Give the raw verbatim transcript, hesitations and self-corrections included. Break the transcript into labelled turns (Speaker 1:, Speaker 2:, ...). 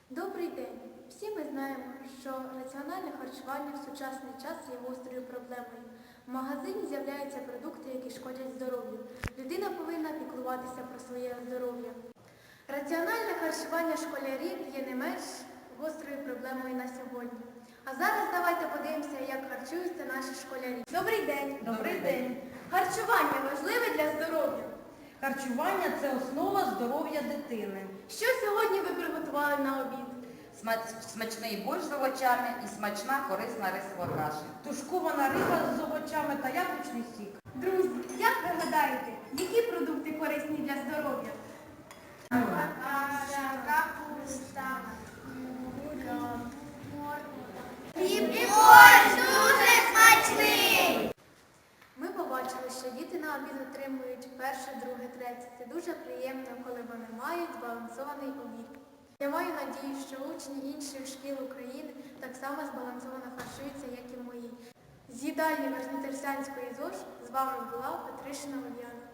Speaker 1: Добрий день! Всі ми знаємо, що раціональне харчування в сучасний час є гострою проблемою. В магазині з'являються продукти, які шкодять здоров'ю. Людина повинна піклуватися про своє здоров'я. Раціональне харчування школярів є не менш гострою проблемою на сьогодні. А зараз давайте подивимося, як харчуються наші школярі. Добрий день!
Speaker 2: Добрий день!
Speaker 1: Харчування важливе для здоров'я.
Speaker 2: Харчування – це основа здоров'я дитини.
Speaker 1: Що сьогодні ви приготували на обід?
Speaker 3: Смачний борщ з овочами і смачна корисна рисова каша.
Speaker 2: Тушкована риба з овочами та яблучний сік.
Speaker 1: Друзі, як ви гадаєте, які продукти корисні для здоров'я? Каша, капуста, хліб і борщ дуже смачний! Ми побачили, що діти на обід отримують перше, друге, третє. Це дуже приємно, коли вони мають збалансований обід. Я маю надію, що учні інших шкіл України так само збалансовано харчуються, як і мої. З їдальні Верхньотерсянської ЗОЖ з вами була Петришина Ульяна.